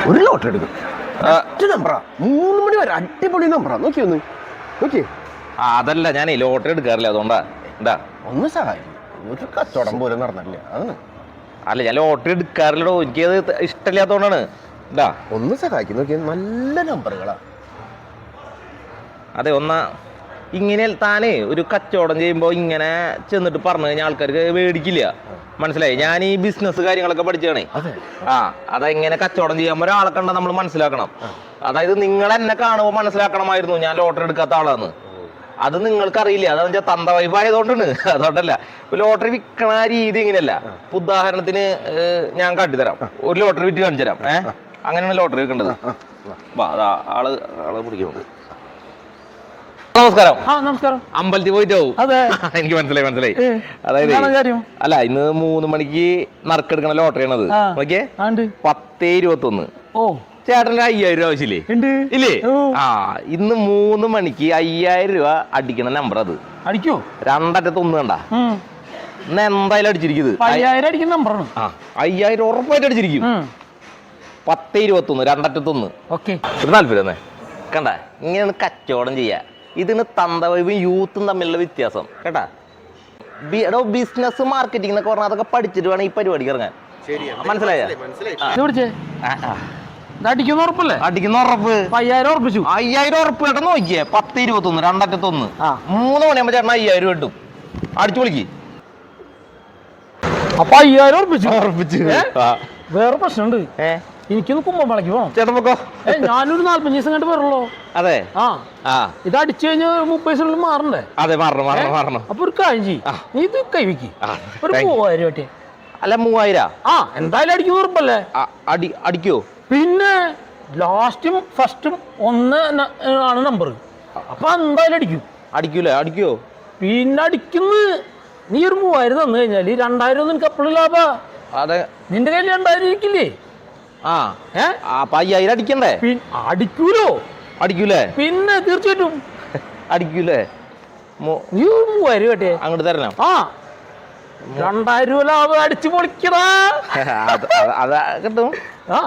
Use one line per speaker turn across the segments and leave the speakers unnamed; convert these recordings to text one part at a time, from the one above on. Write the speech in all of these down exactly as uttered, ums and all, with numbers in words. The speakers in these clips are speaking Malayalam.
ഒരു ലോട്ടറി എടുക്കും. നമ്പറാ മൂന്ന് മണി വരെ അടിപൊളി നമ്പറാ. നോക്കി ഒന്ന് നോക്കി.
അതല്ല ഞാനേ ലോട്ടറി എടുക്കാറില്ല, അതുകൊണ്ടാ. എന്താ
ഒന്ന് സഹായിക്കും. ഒരു കച്ചവടം പോലും നടന്നിട്ടില്ല അതാണ്.
അല്ല ഞാൻ ലോട്ടറി എടുക്കാറില്ലടോ, എനിക്കത് ഇഷ്ടമില്ലാത്തതുകൊണ്ടാണ്. എന്താ
ഒന്ന് സഹായിക്കും. നോക്കി നല്ല നമ്പറുകളാ.
അതെ ഒന്നാ ഇങ്ങനെ താനേ ഒരു കച്ചവടം ചെയ്യുമ്പോൾ ഇങ്ങനെ ചെന്നിട്ട് പറഞ്ഞു കഴിഞ്ഞാൽ ആൾക്കാർക്ക് മേടിക്കില്ല. മനസ്സിലായി? ഞാൻ ഈ ബിസിനസ് കാര്യങ്ങളൊക്കെ പഠിച്ചാണേ. ആ അതെങ്ങനെ കച്ചവടം ചെയ്യാൻ ഒരാളെ കണ്ട നമ്മൾ മനസ്സിലാക്കണം. അതായത് നിങ്ങൾ എന്നെ കാണുമ്പോൾ മനസ്സിലാക്കണമായിരുന്നു ഞാൻ ലോട്ടറി എടുക്കാത്ത ആളാന്ന്. അത് നിങ്ങൾക്ക് അറിയില്ല. അതെന്ന് വെച്ചാൽ തന്ത വൈബായതുകൊണ്ടാണ്, അതുകൊണ്ടല്ല. ലോട്ടറി വിൽക്കണ രീതി ഇങ്ങനെയല്ല. ഉദാഹരണത്തിന് ഞാൻ കാട്ടിത്തരാം. ഒരു ലോട്ടറി വിറ്റ് കാണിച്ചു തരാം. ഏഹ് അങ്ങനെയാണ് ലോട്ടറി വിൽക്കേണ്ടത്. ആള് ആള് പിടിക്കുന്നുണ്ട്. നമസ്കാരം.
നമസ്കാരം.
അമ്പലത്തിൽ പോയിട്ട് പോകും. എനിക്ക് മനസ്സിലായി മനസ്സിലായി അതായത് അല്ല ഇന്ന് മൂന്ന് മണിക്ക് നറുക്കെടുക്കണ ലോട്ടറി ആണത്. ഓക്കെ പത്തേ ഇരുപത്തി ഒന്ന്. ഓ ചേട്ടന് അയ്യായിരം രൂപ ആവശ്യമില്ലേ? ഇല്ലേ? ആ ഇന്ന് മൂന്ന് മണിക്ക് അയ്യായിരം രൂപ അടിക്കണ നമ്പർ അത്. അടിക്കോ? രണ്ടറ്റത്ത് ഒന്ന് കണ്ട ഇന്ന് എന്തായാലും അടിച്ചിരിക്കുന്നത് ആ അയ്യായിരം ഉറപ്പായിട്ട് അടിച്ചിരിക്കും. പത്തേ ഇരുപത്തി ഒന്ന് രണ്ടറ്റത്തൊന്ന്. ഓക്കെ താല്പര്യം തന്നെ കണ്ട ഇങ്ങനെയാണ് കച്ചവടം ചെയ്യാ. ഇതിന് തന്തവൈബും യൂത്തും തമ്മിലുള്ള വ്യത്യാസം കേട്ടാ. എടോ ബിസിനസ് മാർക്കറ്റിംഗ് എന്നൊക്കെ പറഞ്ഞാൽ അതൊക്കെ പഠിച്ചിട്ട് വേണം ഈ പരിപാടിക്ക് ഇറങ്ങാൻ. മനസ്സിലായ?
അടിക്കുന്ന ഉറപ്പല്ലേ?
അടിക്കുന്ന ഉറപ്പ്.
അയ്യായിരം ഉറപ്പിച്ചു.
അയ്യായിരം ഉറപ്പ് കേട്ടോ. നോക്കിയേ പത്ത് ഇരുപത്തി ഒന്ന് രണ്ടറ്റത്തൊന്ന്. മൂന്ന് മണിയാകുമ്പോ ചേട്ടൻ അയ്യായിരം കിട്ടും. അടിച്ചു വിളിക്ക്.
അപ്പൊ അയ്യായിരം ഉറപ്പിച്ചു.
ഉറപ്പിച്ചു.
വേറെ പ്രശ്നമുണ്ട്. ഏഹ് എനിക്കൊന്ന് കുമ്പളക്ക് പോണം.
ചേട്ടൻ പൊക്കോ.
ഞാനൊരു നാല്പഞ്ച് ദിവസം കണ്ട് വരുള്ളൂ.
അതെ ആ ആ
ഇത് അടിച്ചു കഴിഞ്ഞാൽ മുപ്പത് ദിവസത്തിനുള്ളിൽ മാറണ്ടേ?
അതെ മാറണം മാറണം മാറണം.
അപ്പൊ ഒരു കാര്യം ചെയ്യും, ഇത് കൈവയ്ക്ക് ഒരു മൂവായിരം രൂപ.
അല്ല മൂവായിരം
ആ എന്തായാലും അടിക്കുന്ന ഉറപ്പല്ലേ?
അടി അടിക്കോ?
പിന്നെ ലാസ്റ്റും ഫസ്റ്റും ഒന്ന് ആണ് നമ്പർ. അപ്പൊ എന്തായാലും അടിക്കും.
അടിക്കൂലേ? അടിക്കോ?
പിന്നെ അടിക്കുന്ന നീ ഒരു മൂവായിരം തന്നു കഴിഞ്ഞാല് രണ്ടായിരം ഒന്നും നിനക്ക് എപ്പോഴും ലാഭ.
അതെ
നിന്റെ കയ്യിൽ രണ്ടായിരം ഇരിക്കില്ലേ?
ആ അപ്പൊ അയ്യായിരം അടിക്കണ്ടേ?
അടിക്കൂലോ?
അടിക്കൂലേ?
പിന്നെ തീർച്ചയായിട്ടും
അടിക്കൂലേ?
നീ മൂവായിരം കേട്ടേ അങ്ങോട്ട്
തരണം.
ആ രണ്ടായിരം രൂപ ലാഭം അടിച്ചു പൊളിക്കടാ.
അതാ കിട്ടും. ആ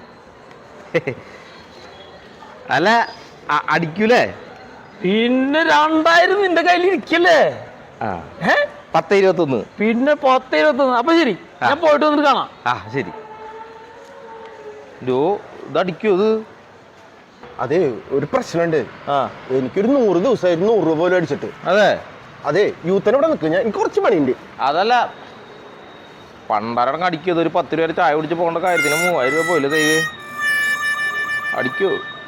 അല്ല അടിക്കൂലേ?
പിന്നെ രണ്ടായിരം നിന്റെ കയ്യിൽ ഇരിക്കല്ലേ?
പത്ത് ഇരുപത്തി ഒന്ന്.
പിന്നെ പത്ത് ഇരുപത്തി ഒന്ന്. അപ്പൊ ശരി ഞാൻ പോയിട്ട് വന്നിട്ട് കാണാം.
ആ ശരി. ഇത് അടിക്കോ? ഇത്
അതെ ഒരു പ്രശ്നമുണ്ട്. എനിക്കൊരു നൂറ് ദിവസമായിരുന്നു നൂറ് രൂപ പോലും അടിച്ചിട്ട്.
അതെ
അതെ യൂത്തിന് ഇവിടെ നിൽക്കും. ഞാൻ എനിക്ക് കുറച്ച് പണിയുണ്ട്.
അതല്ല പണ്ടാരടങ്ങ് അടിക്കോ? ഒരു പത്ത് രൂപ ചായ കുടിച്ച് പോകേണ്ട കാര്യത്തിന് മൂവായിരം രൂപ പോയില്ലേ? ദൈവേ അടിക്കോ?